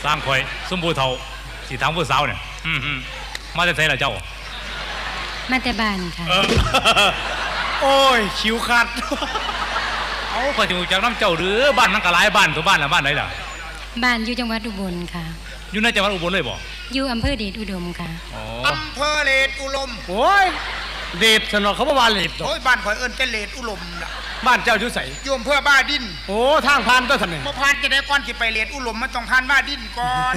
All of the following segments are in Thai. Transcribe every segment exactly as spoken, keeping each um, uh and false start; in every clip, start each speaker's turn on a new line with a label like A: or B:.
A: สร้างคอยสมบูรณ์เท่าสีทางผู้สาวเนี่ยมาจะใส่ละเจ้า
B: มาแต่บ้านค่ะ
A: โอ้ยคิวขาดเอาพอถึงจากน้ำเจ้าหรือบ้านนั่งกะหลายบ้านตัวบ้านละบ้านไหนล่ะ
B: บ้านอยู่จังหวัดอุบลค่ะ
A: อยู่ในจังหวัดอุบลเลยบ่
B: อยู่อำเภอเดชอุดมค่ะ
C: อำเภอเดชอุดม
D: โอ้ยเดชสนอเขาบอกว่าเดช
C: โอ้ยบ้านข่อยเอิ้นเป็นเดชอุดมล่ะ
D: บ้านเจ้าอยู่ไส
C: อยู่อำเภอบ้าดิน
D: โอ้ทางผ่านก็ทันนี่
C: บ่ผ่านจะได้ก่อนสิไปเดชอุดมมันต้องผ่านบ้าดินก่อน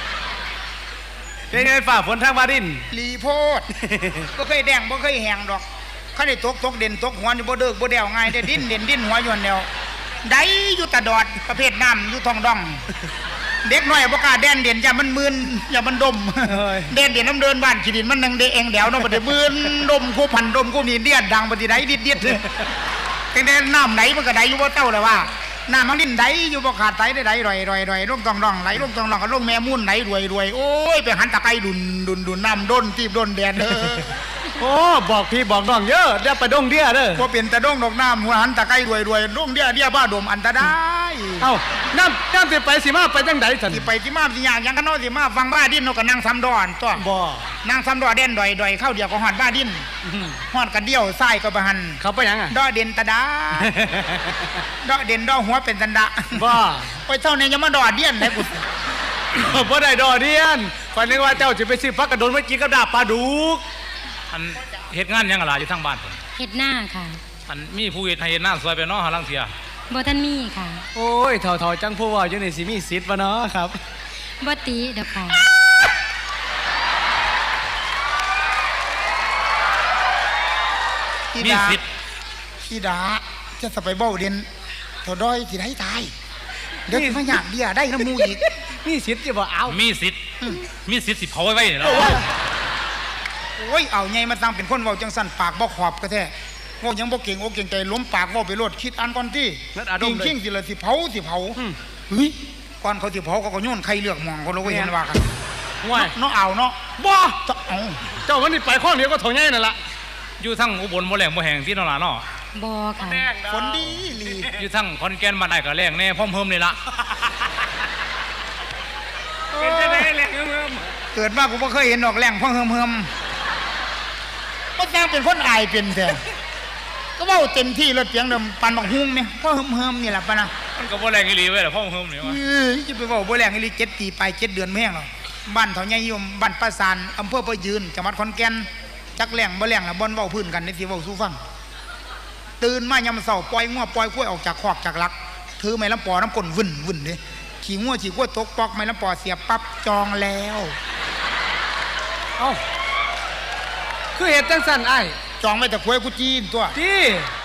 D: เป็นไงฝ่าฝนทางบ้าดิน
C: ลีโพดบ่เคยแดงบ่เคยแห้งดอกคันได้ตกตกเด่นตกหัวอยู่บ่เด้อบ่แดวง่ายได้ดิ้นเด่นดิ้นหัวอยู่แนวได้อยู่ตะดอดประเภทน้ำอยู่ท้องดองเด็กน้อยบ่กล้าแดนเด่นอย่ามันมึนอย่ามันดมเด่นเด่นน้ำเดินบ้านขี้ดินมันนังเดเองเดี๋ยวเนาะบ่ได้มึนดมคู่พันดมคู่นี่เดียดดังบ่สิได้ดิดๆแต่แต่น้ำไหนมันก็ได้อยู่บ่เต้าแล้วว่าน้ำมันดินไหลอยู่บ่ขาดไหลได้ไหลรอยๆๆลงท้องดองไหลลงท้องดองก็ลงแม่มุ่นไหลรวยๆโอ้ยไปหันตะไคร้ดุนดุนดุนน้ำด้นตีบด้นแดนเด้อ
D: โอ้บอกพี่บอกน้องเยอะเดี๋ยวไปดงเดียเด้อ
C: พอเป็นตะดงดอกน้ำหัวหันตะไคร้รวยรวยดงเดียเดียบ้าดมอันตราย
D: เอ้าน้ำน้ำสิไปสิมาไปจังไดสัน
C: สิไปสิมาสิยากยังกันเนาะสิมาฟังบ้าดินเนาะก็นั่งซ้ำดอนตัว
D: บ่
C: นั่งซ้ำดอเด่นดอยดอยเข้าเดียวก็หอดบ้าดินหอดกันเดียวไส้ก็ประหัน
D: เขาไปยังอ่ะ
C: ดอเด่นตะดาดอเด่นดอหัวเป็นตันดะ
D: บ่
C: ไปเท่านี้ยังมาดอเดียนไหนกู
D: บ่ได้ดอเดียนฝันนึกว่าเจ้าจะไปซื้อพักกระโดนเมื่อกี้กับดาบปลาดุก
A: อันเฮ็ดงานยังอะไรอยู่ทางบ้านผม
B: เฮ็ดหน้าค่ะ
A: อันมีผู้เฮ็ดให้เฮ็ดหน้าซอยไปเนาะหาลังเทีย
B: บ่ท่านมีค่ะ
D: โอ้ยเถ่าๆจังผู้ว่าอยู่ในสิมีสิทธิ์บ่เนาะครับ
B: บ่ติดอกค่ะ
C: มีสิทธิ์อีดาจะสไปเบ้าเด่นเท่าดอยสิได้ตายเดี๋ยวมาหยาบเดียได้น้ำมูอีก
D: มีสิทธิ์จะบ่เอา
A: มีสิทธิ์มีสิทธิ์สิเผาไว้ไว้เนี่ย
C: โอ้ยเอาไงมาตั้งเป็นคนเว้าจังสั่นปากบ่ขอบก็แท้เว้ายังบ่เก่งอกเก่งใจล้มปากเว้าไปโลดคิดอันก่อนที่จริงจริงสิละสิเผาสิเผาเฮ้ยก่อนเขาสิเผาเขาก็โยนไข่เลือกมองเขาเลยเห็นว่ากัน
D: ว่า
C: เนาะเอาเนาะ
D: บ่เอาเจ้าวันนี้ไปข้อเดียวก็เท่าไงนั่นล่ะ
A: อยู่ทั้งอุบลบ่แรงบ่แห้งที่นราเนาะ
B: บ่ค่ะ
C: ฝนดีลี
A: อยู่ทั้งขอนแก่นบ้านไอ้ก็แรงแน่พร้อมเพิ่มเลยล่ะ
D: เป็นจังได๋แรงเฮิม
C: เกิดมากูบ่เคยเห็นดอกแรงพร้อมเฮิมเฮิมก็แจ้งเป็นคนอายเป็นแท้ก็เว้าเต็มที่รถเสียงเดิมปันบักฮุ้งเนี่ยพร้อมเฮิมนี่ล่ะปะนะ
A: มันก็บ่แรงอีหลีเว้ยล่ะพร้อมเฮิมนี่ว่า
C: เออสิไปเว้าบ่แรงอีหลีเจ็ดปีไปเจ็ดเดือนแม่งหรอกบ้านเฒ่าใหญ่ยมบ้านปราสาทอำเภอประยืนจังหวัดขอนแก่นจักแรงบ่แรงล่ะบ่นเว้าพื้นกันนี่สิเว้าสู่ฟังตื่นมายามเช้าปล่อยงัวปล่อยกล้วยออกจากคอกจากลักถือไม้ลำปอน้ำก้นวุ่นวุ่นเด้ขี่งัวขี่กล้วยตกปอกไม้ลำปอเสียบปั๊บจองแล้ว
D: เอ้าคือเฮ็ดจังซั่นอ้าย
C: จองไว้แต่กล้วยกูจีนตัว
D: จี้